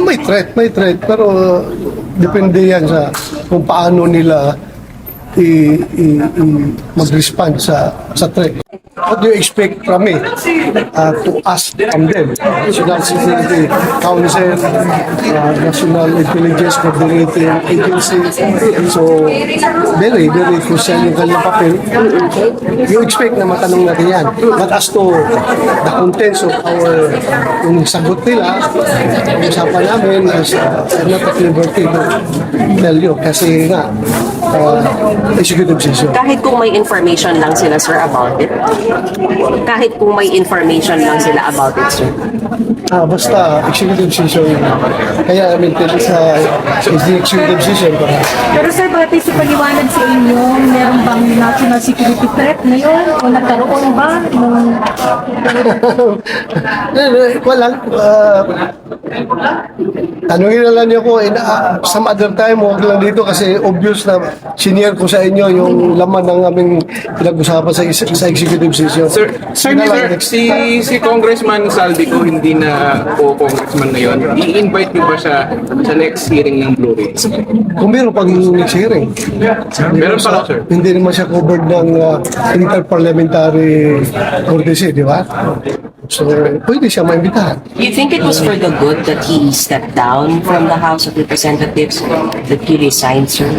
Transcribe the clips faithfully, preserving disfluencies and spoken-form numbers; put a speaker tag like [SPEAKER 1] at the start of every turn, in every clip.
[SPEAKER 1] may threat, may threat, pero uh, depende yan sa kung paano nila i, i, i mag-respond sa, sa threat. What do you expect from me uh, to ask from them? National Security Council, uh, National Intelligence Coordinating Agency. So, very, very crucial yung kanilang papel. You expect na matanong natin yan. But as to the contents of our, yung sagot nila, yung usapan namin, as, uh, I'm not at liberty to tell you. Kasi nga, uh, executive session.
[SPEAKER 2] Kahit kung may information lang sila, sir, about it? Kahit kung may information lang sila about it, sir?
[SPEAKER 1] Ah, basta executive session. Kaya I mean, sa is the executive session para.
[SPEAKER 3] Pero sir, bakit sa paliwanag sa inyo, meron bang national security threat ngayon? O nagkaroon ba? Nung...
[SPEAKER 1] Wala. Uh, tanungin na lang niyo ko in uh, some other time, huwag lang dito kasi obvious na senior ko sa inyo yung laman ng aming pinag-usapan sa, sa executive session.
[SPEAKER 4] Sir, sir,
[SPEAKER 1] Yun na
[SPEAKER 4] sir,
[SPEAKER 1] lang.
[SPEAKER 4] si, si Congressman Saldico hindi na po congressman ngayon. I-invite niyo ba siya sa next hearing ng Blue Ridge?
[SPEAKER 1] Kung meron pag next hearing.
[SPEAKER 4] Meron pa lang, sir.
[SPEAKER 1] Hindi naman siya covered ng uh, interparliamentary courtesy, di ba? So, pwede siya maimbitahan.
[SPEAKER 2] You think it was for the good that he stepped down from the House of Representatives, that he resigned, sir?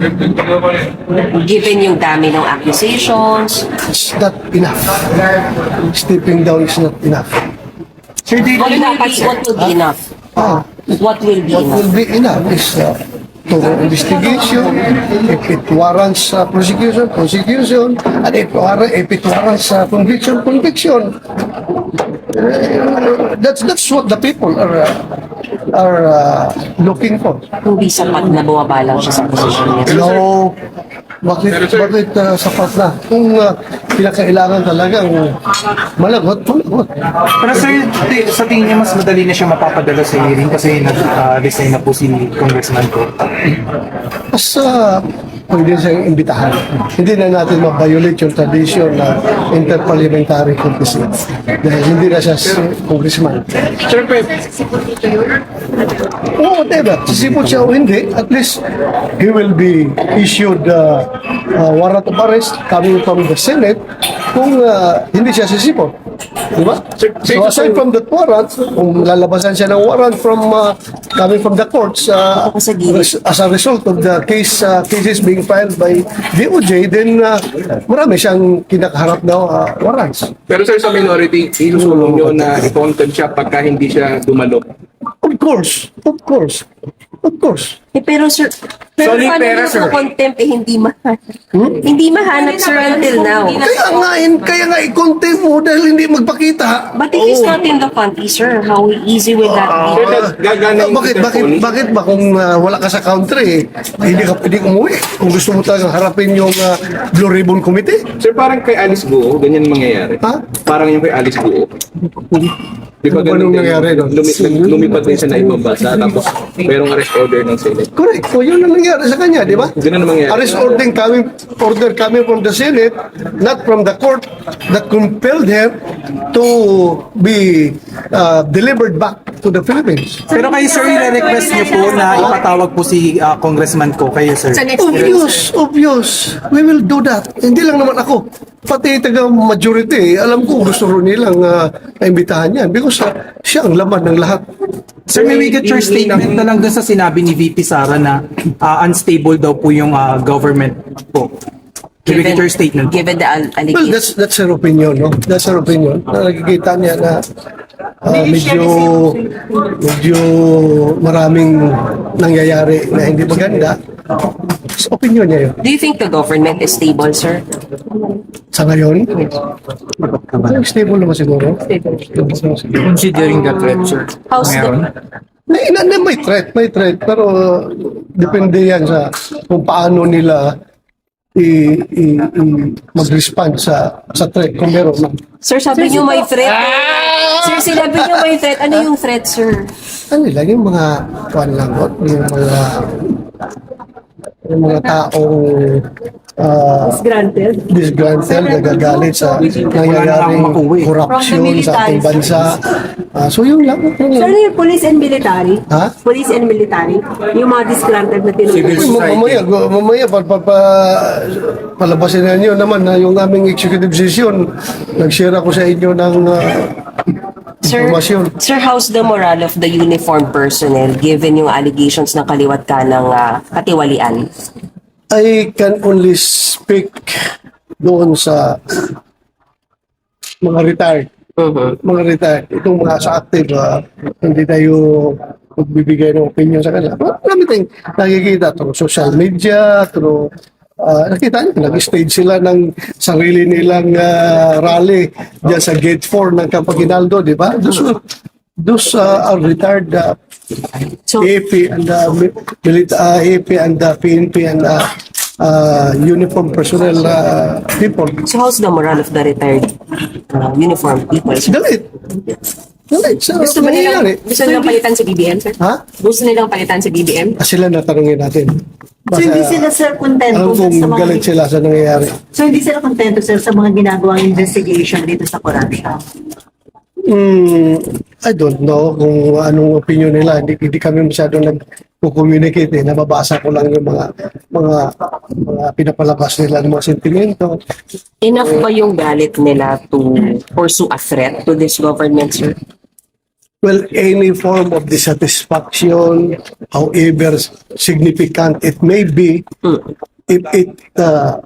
[SPEAKER 2] Given yung dami ng accusations,
[SPEAKER 1] It's not enough. Stepping down is not enough.
[SPEAKER 2] what, dapat, what will be enough?
[SPEAKER 1] Ah,
[SPEAKER 2] What will be
[SPEAKER 1] what
[SPEAKER 2] enough?
[SPEAKER 1] will be enough is uh, thorough investigation. If it warrants uh, prosecution, prosecution. And if, war- if it warrants uh, conviction, conviction. Uh, that's that's what the people are uh, are uh, looking for.
[SPEAKER 2] Hindi sapat na bumaba lang siya sa posisyon niya.
[SPEAKER 1] No, bakit bakit uh, sapat na? Kung uh, pinakailangan talagang malagot, malagot.
[SPEAKER 5] Pero sir, ti- sa tingin niyo mas madali na siya mapapadala sa hearing kasi nag-resign na po si Congressman ko.
[SPEAKER 1] Mas uh, pwede siyang imbitahan. Hindi na natin ma-violate yung tradition na interparliamentary courtesy. Dahil hindi na siya si congressman.
[SPEAKER 4] Sir, pe,
[SPEAKER 1] Oh, whatever. Sisipot siya o hindi, at least he will be issued uh, uh, warrant of arrest coming from the Senate kung uh, hindi siya sisipot. Diba? So aside from that warrant, kung lalabasan siya ng warrant from uh, coming from the courts uh, res- as a result of the case uh, cases being filed by D O J, then uh, marami siyang kinakaharap na uh, warrants.
[SPEAKER 4] pero sir, sa minority, ilusulong niyo na i-contempt siya pagka hindi siya dumalo.
[SPEAKER 1] Of course, of course, of course.
[SPEAKER 2] Eh, pero sir, pero
[SPEAKER 5] Solid
[SPEAKER 2] paano
[SPEAKER 5] pera,
[SPEAKER 2] yung
[SPEAKER 5] sir.
[SPEAKER 2] contempt eh hindi mahanap? Hindi mahanap, sir, until now.
[SPEAKER 1] Kaya nga, in- kaya nga i-contempt mo dahil hindi magpakita.
[SPEAKER 2] But if he's not in the country, sir, how easy will that
[SPEAKER 4] Sir,
[SPEAKER 2] be?
[SPEAKER 4] gag- gagana yung
[SPEAKER 1] bakit, bakit,
[SPEAKER 4] interpol.
[SPEAKER 1] bakit ba kung uh, wala ka sa country, eh, hindi ka pwedeng umuwi? Kung gusto mo talagang harapin yung uh, Blue Ribbon Committee?
[SPEAKER 4] Sir, parang kay Alice Guo, ganyan mangyayari.
[SPEAKER 1] Ha?
[SPEAKER 4] Parang yung kay Alice Guo. Di ba
[SPEAKER 1] Ano ba
[SPEAKER 4] ganun
[SPEAKER 1] nung
[SPEAKER 4] din?
[SPEAKER 1] nangyari doon?
[SPEAKER 4] Lumi, nag- lumipat din siya na ibang bansa, tapos mayroong arrest order ng Senate.
[SPEAKER 1] Correct. So, yun ang nangyari sa kanya, di ba?
[SPEAKER 4] Ganun ang mangyayari.
[SPEAKER 1] Arrest order coming, order coming from the Senate, not from the court that compelled her to be uh, delivered back to the Philippines.
[SPEAKER 5] Pero kayo sir, i-request niyo po na ipatawag po si ah, Congressman ko kayo sir.
[SPEAKER 1] Obvious, obvious. We will do that. Hindi lang naman ako. Pati taga majority, alam ko gusto rin nilang uh, imbitahan yan because uh, siya ang laman ng lahat.
[SPEAKER 5] Sir, may we get your statement na lang dun sa sinabi ni V P Sara na ah, unstable daw po yung ah, government po. May we get your statement?
[SPEAKER 2] given the al-
[SPEAKER 1] Well,
[SPEAKER 2] allegation.
[SPEAKER 1] that's that's her opinion, no? That's her opinion. Na nakikita niya na uh, medyo medyo maraming nangyayari na hindi maganda. Sa opinion niya yun.
[SPEAKER 2] Do you think the government is stable, sir?
[SPEAKER 1] Sa ngayon, parang stable naman siguro.
[SPEAKER 5] Considering the threat, sir.
[SPEAKER 2] How's the,
[SPEAKER 1] May, na, na, may threat, may threat. Pero uh, depende yan sa kung paano nila i, i, i mag-respond sa sa threat kung meron man.
[SPEAKER 2] sir, sabi niyo may threat. Sir, sinabi niyo may threat. Ano yung threat, sir?
[SPEAKER 1] Ano lang yung mga kuan lang, no? yung mga yung mga taong ah,
[SPEAKER 3] Granted.
[SPEAKER 1] disgruntled, nagagalit sa nangyayaring korupsyon sa ating bansa. Ah, so yun lang.
[SPEAKER 3] Sir, ano yung police and military?
[SPEAKER 1] Ha?
[SPEAKER 3] Police and military? Yung mga disgruntled na tinutukoy.
[SPEAKER 1] Ma- Mamaya, gu- mamaya pa, pa, pa, palabasin na nyo naman na yung aming executive session, nag-share ako sa inyo ng ah,
[SPEAKER 2] Sir,
[SPEAKER 1] informasyon.
[SPEAKER 2] sir, how's the morale of the uniformed personnel given yung allegations ng kaliwat ka ng ah, katiwalian?
[SPEAKER 1] I can only speak doon sa mga retired.
[SPEAKER 2] Mhm.
[SPEAKER 1] Mga retired. Itong mga sa active, ah, hindi tayo magbibigay ng opinion sa kanila. Marami tayong nakikita through social media, through ah, nakita niyo, nag-stage sila ng sarili nilang ah, rally dyan sa Gate four ng Campaginaldo, di ba? Those, were- those ah, are retired ah,
[SPEAKER 2] So,
[SPEAKER 1] A P and the milita uh, A P and the P N P and the uh, uniform personnel uh, people.
[SPEAKER 2] so how's the morale of the retired uh, uniformed people?
[SPEAKER 1] Galit. Galit. Sa
[SPEAKER 2] Gusto ba nilang,
[SPEAKER 1] nangyayari.
[SPEAKER 2] gusto nilang palitan si B B M, sir?
[SPEAKER 1] Ha?
[SPEAKER 2] Gusto nilang palitan si B B M?
[SPEAKER 1] Ah, Sila natanungin natin.
[SPEAKER 3] So hindi sila sir kontento
[SPEAKER 1] alam
[SPEAKER 3] sir,
[SPEAKER 1] kong
[SPEAKER 3] sa mga
[SPEAKER 1] galit sila sa nangyayari.
[SPEAKER 3] So hindi sila kontento sir sa mga ginagawang investigation dito sa corruption.
[SPEAKER 1] Hmm, I don't know kung anong opinion nila. Hindi, hindi kami masyadong nag-communicate. Eh. Nababasa ko lang yung mga mga mga pinapalabas nila ng mga sentimento.
[SPEAKER 2] Enough ba yung galit nila to pursue a threat to this government, sir?
[SPEAKER 1] Well, any form of dissatisfaction, however significant it may be, if it uh,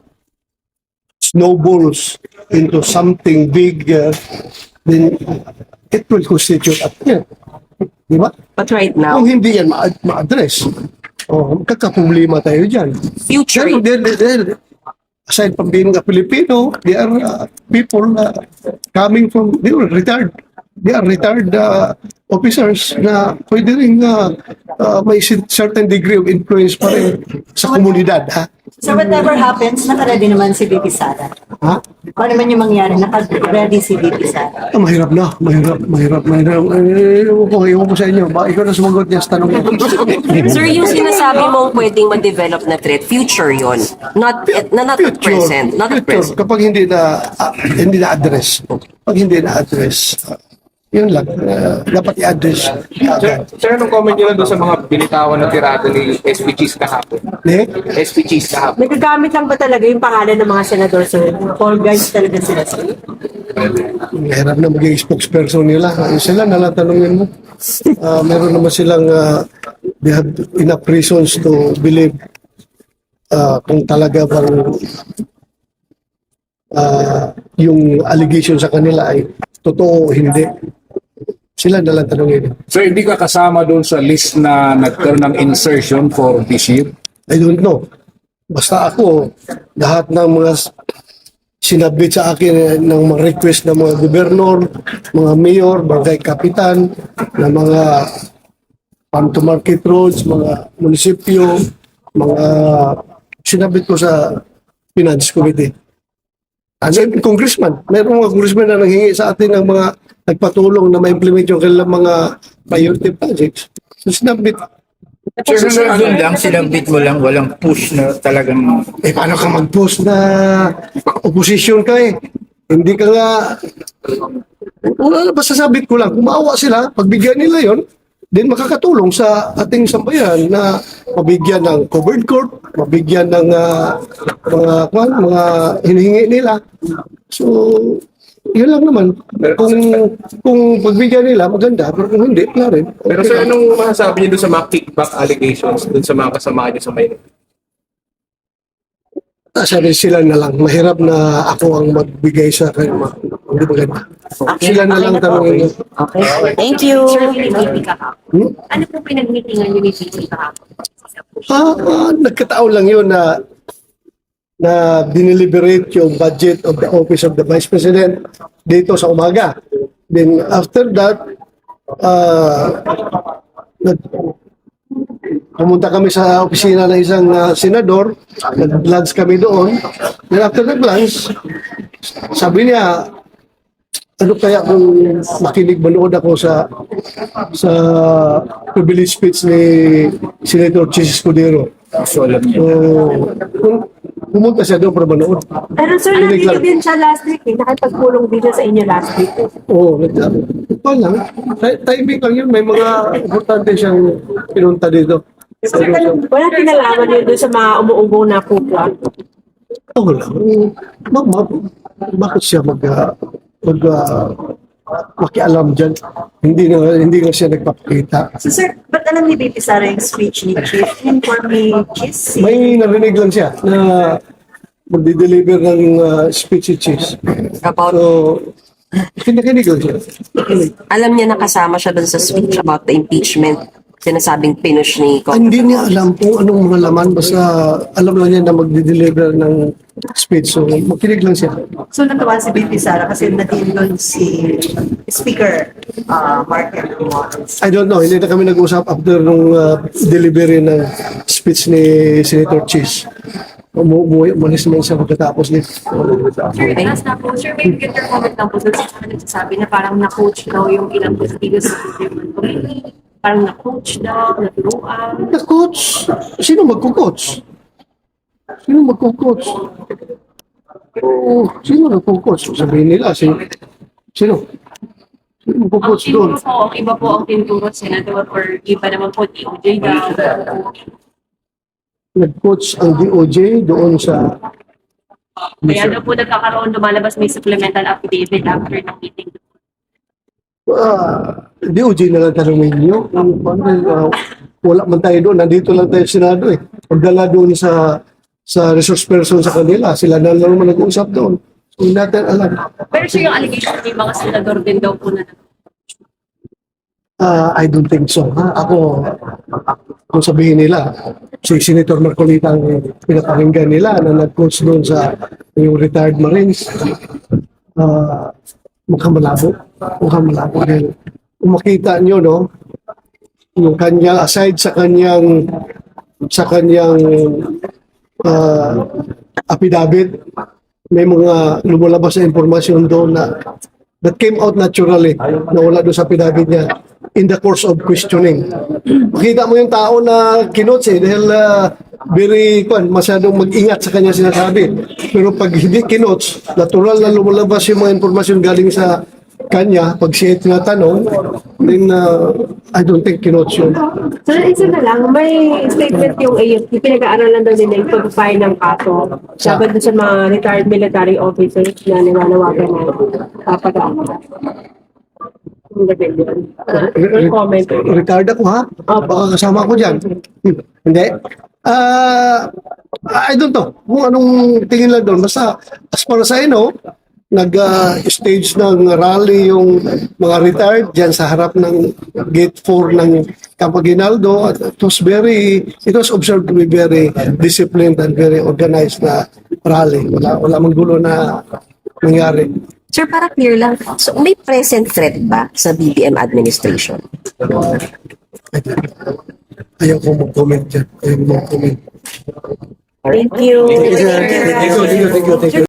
[SPEAKER 1] snowballs into something bigger, then it will constitute a threat. Di ba?
[SPEAKER 2] But right now,
[SPEAKER 1] Kung hindi yan ma- ma-address, oh, magkakaproblema tayo dyan.
[SPEAKER 2] future,
[SPEAKER 1] Pero they're, they're, they're- aside from being a Filipino, they are uh, people uh, coming from, they were retired. They are retired uh, officers na pwede rin uh, uh, may si- certain degree of influence pa rin sa komunidad. Ha?
[SPEAKER 3] So whatever happens, naka-ready naman si V P Sara.
[SPEAKER 1] Ha?
[SPEAKER 3] Kung ano man yung mangyari, naka-ready si V P Sara.
[SPEAKER 1] Ah, mahirap na, mahirap, mahirap, mahirap. Eh, ewan ko, ewan ko sa inyo. Ba, ikaw na sumagot niya sa tanong ko.
[SPEAKER 2] sir, yung sinasabi mong pwedeng ma-develop na threat, future yon, not at, na not at present, not at
[SPEAKER 1] future,
[SPEAKER 2] present.
[SPEAKER 1] kapag hindi na ah, hindi na address, pag hindi na address, ah, yun lang, ah, dapat i-address
[SPEAKER 4] Sir,
[SPEAKER 1] agad.
[SPEAKER 4] sir, anong comment nyo lang doon sa mga binitawan na tirada ni S P Gs kahapon?
[SPEAKER 1] Eh?
[SPEAKER 4] S P Gs kahapon.
[SPEAKER 3] Nagagamit lang ba talaga yung pangalan ng mga senador sir? All guys talaga sila sir?
[SPEAKER 1] Mahirap na maging spokesperson nila. Ayun sila, nalatanungin mo. Ah, meron naman silang, ah, they have enough reasons to believe ah, kung talaga bang ah, yung allegation sa kanila ay totoo o hindi. Sila nalang tanungin.
[SPEAKER 6] So hindi ka kasama doon sa list na nagkaroon ng insertion for this year?
[SPEAKER 1] I don't know. Basta ako, lahat ng mga s- sinabit sa akin eh, ng mga request ng mga gobernador, mga mayor, barangay kapitan, ng mga farm to market roads, mga munisipyo, mga sinabit ko sa Finance Committee. Ano yung congressman? Mayroong mga congressman na nanghingi sa atin ng mga nagpatulong na ma-implement yung kanilang mga priority projects. So sinabit.
[SPEAKER 7] Sir, doon lang, sinabit mo lang, walang push na talagang...
[SPEAKER 1] Eh, paano ka mag-post na opposition ka eh? Hindi ka nga... Wala, basta sabit ko lang, kung maawa sila, pagbigyan nila yon, then makakatulong sa ating sambayan na mabigyan ng covered court, mabigyan ng ah, mga, kwan, mga hinihingi nila. So, yun lang naman. Kung kung pagbigyan nila, maganda. Pero kung hindi, wala rin.
[SPEAKER 4] Pero
[SPEAKER 1] Okay
[SPEAKER 4] sir,
[SPEAKER 1] lang.
[SPEAKER 4] anong masasabi niyo doon sa mga kickback allegations doon sa mga kasama niyo sa Maynila?
[SPEAKER 1] Ah, sabi sila na lang, mahirap na ako ang magbigay sa kanila. Hindi maganda. Sila na lang tanongin.
[SPEAKER 2] Okay. Thank you.
[SPEAKER 8] Sir, pinag-meeting kahapon.
[SPEAKER 1] Hmm?
[SPEAKER 8] Ano po pinag-meetingan niyo ni V P kahapon?
[SPEAKER 1] Ah, ah, nagkataon lang yun na na dineliberate yung budget of the Office of the Vice President dito sa umaga. Then after that, ah, nag, pumunta kami sa opisina ng isang ah, senador, nag-lunch kami doon. Then after nag-lunch, sabi niya, ano kaya kung makinig manood ako sa sa privilege speech ni Senator Chis Escudero.
[SPEAKER 7] So, alam niya.
[SPEAKER 1] So, kung, pumunta siya doon para manood.
[SPEAKER 3] Pero sir,
[SPEAKER 1] Kinig
[SPEAKER 3] nandito
[SPEAKER 1] lang.
[SPEAKER 3] din siya last week eh. Nakipagpulong din siya sa inyo last week.
[SPEAKER 1] Oo, nagsabi. Ito lang. Ti- Timing lang yun. May mga importante siyang pinunta dito.
[SPEAKER 3] Sir, wala kinalaman yun doon sa mga umuugong na kupwa.
[SPEAKER 1] Oo lang. Ma, ma, bakit siya mag, ah, mag, ah, makialam dyan? Hindi na, hindi na siya nagpapakita.
[SPEAKER 3] So sir, ba't alam ni Baby Sara yung speech ni Chief? Informe Cheese?
[SPEAKER 1] May narinig lang siya na magdi-deliver ng uh, speech cheese.
[SPEAKER 2] About,
[SPEAKER 1] So, kinikinig lang siya.
[SPEAKER 2] alam niya na kasama siya dun sa speech about the impeachment. Sinasabing pinush ni
[SPEAKER 1] Ah, hindi niya alam kung anong mga laman. Basta alam lang niya na magdi-deliver ng speech. So, makinig lang siya.
[SPEAKER 3] So natuwa si Baby Sara kasi natin doon si Speaker uh, Mark Romualdez.
[SPEAKER 1] I don't know. Hindi na kami nag-usap after nung uh, delivery ng speech ni Senator Cheese. Umu umuwi, umalis naman siya pagkatapos nito.
[SPEAKER 8] Sir, last na po, sir, may get your comment lang po sa mga nagsasabi na parang na-coach daw yung ilang positigas sa government committee. Parang na-coach daw, naturuan.
[SPEAKER 1] Na-coach? Sino magko-coach? Sino magko-coach? Oh, sino nagko-coach? Sabihin nila, sino? Sino? Sino
[SPEAKER 8] Ang
[SPEAKER 1] magko-coach
[SPEAKER 8] tinuro
[SPEAKER 1] doon?
[SPEAKER 8] po, ang iba po ang tinuro, senador, or iba naman po, D O J daw.
[SPEAKER 1] Nag-coach ang D O J doon sa...
[SPEAKER 8] Kaya daw po nagkakaroon, lumalabas may supplemental affidavit after ng meeting.
[SPEAKER 1] Ah, D O J na lang tanongin niyo. Ang uh, wala man tayo doon. Nandito lang tayo sa Senado eh. Pagdala doon sa sa resource person sa kanila, sila na lang naman nag-uusap doon. So, hindi natin alam.
[SPEAKER 8] Pero sir, yung allegation ng mga senador din daw po na
[SPEAKER 1] Ah, I don't think so. Ha? Ako, kung sabihin nila, si Senator Marcolita ang pinapakinggan nila na nag-coach doon sa yung retired Marines, ah, mukhang malabo. Mukhang malabo. Dahil kung makita nyo, no, yung kanyang, aside sa kanyang, sa kanyang ah, affidavit, may mga lumalabas na impormasyon doon na that came out naturally na wala doon sa affidavit niya in the course of questioning. Makita mo yung tao na kinots eh dahil uh, very kwan, masyadong mag-ingat sa kanya sinasabi. Pero pag hindi kinots, natural na lumalabas yung mga impormasyon galing sa kanya, pag siya tinatanong, then uh, I don't think kinots yun.
[SPEAKER 3] So isa na lang, may statement yung A F P, pinag-aaralan daw nila yung pag-file ng kaso laban doon sa mga retired military officers na nananawagan na kapag-aaralan. Yung rebellion. Yung comment.
[SPEAKER 1] Ricardo ko ha? Baka kasama ko dyan. Hmm. Hindi. Ah, I don't know kung anong tingin lang doon. Basta as far as I know, nag-stage ng rally yung mga retired dyan sa harap ng gate four ng Campo Aguinaldo. It was very, it was observed to be very disciplined and very organized na rally. Wala, wala mang gulo na nangyari.
[SPEAKER 2] sir, para clear lang, so may present threat ba sa B B M administration?
[SPEAKER 1] Ayaw ko mag-comment dyan. Ayaw ko mag-comment.
[SPEAKER 2] Thank you.
[SPEAKER 1] Thank you, thank you, thank you, thank you.